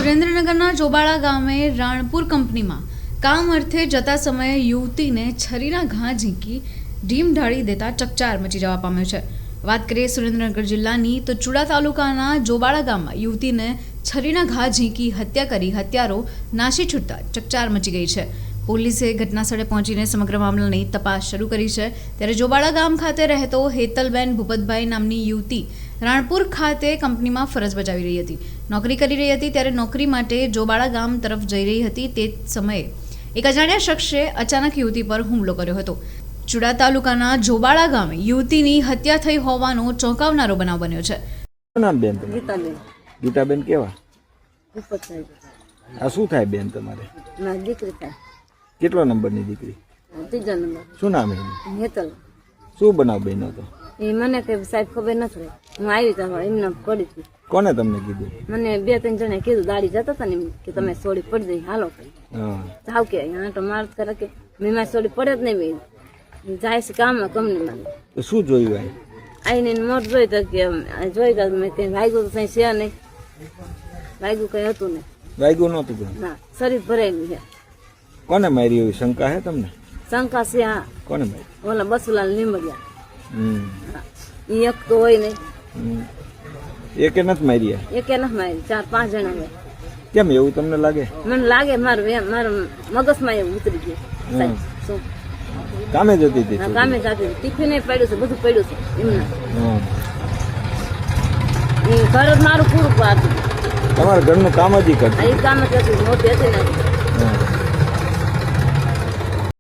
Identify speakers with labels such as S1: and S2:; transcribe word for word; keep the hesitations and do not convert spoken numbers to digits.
S1: સુરેન્દ્રનગરના ચોબાળા ગામે રાણપુર કંપનીમાં કામ અર્થે જતા સમયે યુવતીને છરીના ઘા ઝીંકી ઢીમ ઢાળી દેતા ચકચાર મચી જવા પામ્યો છે। વાત કરીએ સુરેન્દ્રનગર જિલ્લાની તો ચુડા તાલુકાના જોબાળા ગામમાં યુવતીને છરીના ઘા ઝીંકી હત્યા કરી હત્યારો નાસી છૂટતા ચકચાર મચી ગઈ છે। પોલીસે ઘટનાસ્થળે પહોંચીને સમગ્ર મામલાની તપાસ શરૂ કરી છે। ત્યારે જોબાળા ગામ ખાતે રહેતો હેતલબેન ભૂપતભાઈ નામની યુવતી રાણપુર ખાતે કંપનીમાં ફરજ બજાવી રહી હતી, નોકરી કરી રહી હતી। ત્યારે નોકરી માટે જોબાળા ગામ તરફ જઈ રહી હતી તે સમયે એક અજાણ્યા શખ્સે અચાનક યુવતી પર હુમલો કર્યો હતો। ચુડા તાલુકાના જોબાળા ગામે યુવતીની હત્યા થઈ હોવાનો ચોંકાવનારો બનાવ બન્યો છે।
S2: નામ બેન તમારું?
S3: ગીતાબેન
S2: ગીતાબેન કેવા?
S3: ભૂપતભાઈ
S2: આ શું થાય બેન તમારે?
S3: મારી દીકરી થાય,
S2: કેટલા નંબરની દીકરી?
S3: ત્રીજા નંબર।
S2: શું નામ એનું?
S3: હેતલ।
S2: શું બનાવ બન્યો હતો?
S3: એ મને કે સાહેબ ખબર નથી રહી, હું આવી તો એમને પડી હતી।
S2: કોને તમને કીધું?
S3: મને બે ત્રણ જણે કીધું, દાડી જતા હતા ને એમ કે તમે સોડી પડી જઈ, હાલો
S2: હા
S3: જાવ કે અહીંયા તો માર કરે કે મેં મારી સોડી પડે જ નહીં, ભાઈ જાય છે કામમાં કંપનીમાં।
S2: તો શું જોયું અહીં?
S3: આવીને મોટ જોઈ તો કે જોઈ તો મેં કંઈ વાગ્યું તો કંઈ છે નહીં, વાગ્યું કંઈ હતું નહીં,
S2: વાગ્યું નહોતું બેન?
S3: ના શરીર ભરાયેલું છે।
S2: કોને મારી એવી શંકા હે તમને?
S3: શંકા છે હા,
S2: કોને મારી?
S3: ઓલા બસુલાલ લીંબડિયા,
S2: હમ
S3: એ એક તો હોય નહીં,
S2: હમ. એકે નથી મારી?
S3: એકે નથી મારી, ચાર પાંચ જણા હોય।
S2: કેમ એવું તમને લાગે?
S3: મને લાગે મારું એમ મારા મગજમાં એવું ઉતરી ગયું સાહેબ। શું
S2: કામે જતી હતી?
S3: આ કામે જાતી ટિફિન પડ્યું છે, બધું પડ્યું છે એમના,
S2: હા
S3: એ ઘર જ મારું પૂરું પાડતું,
S2: તમારા ઘરનું કામ જ ઈ કરતી?
S3: આ એ કામ જ હતું, મોટી હતી ને
S2: હા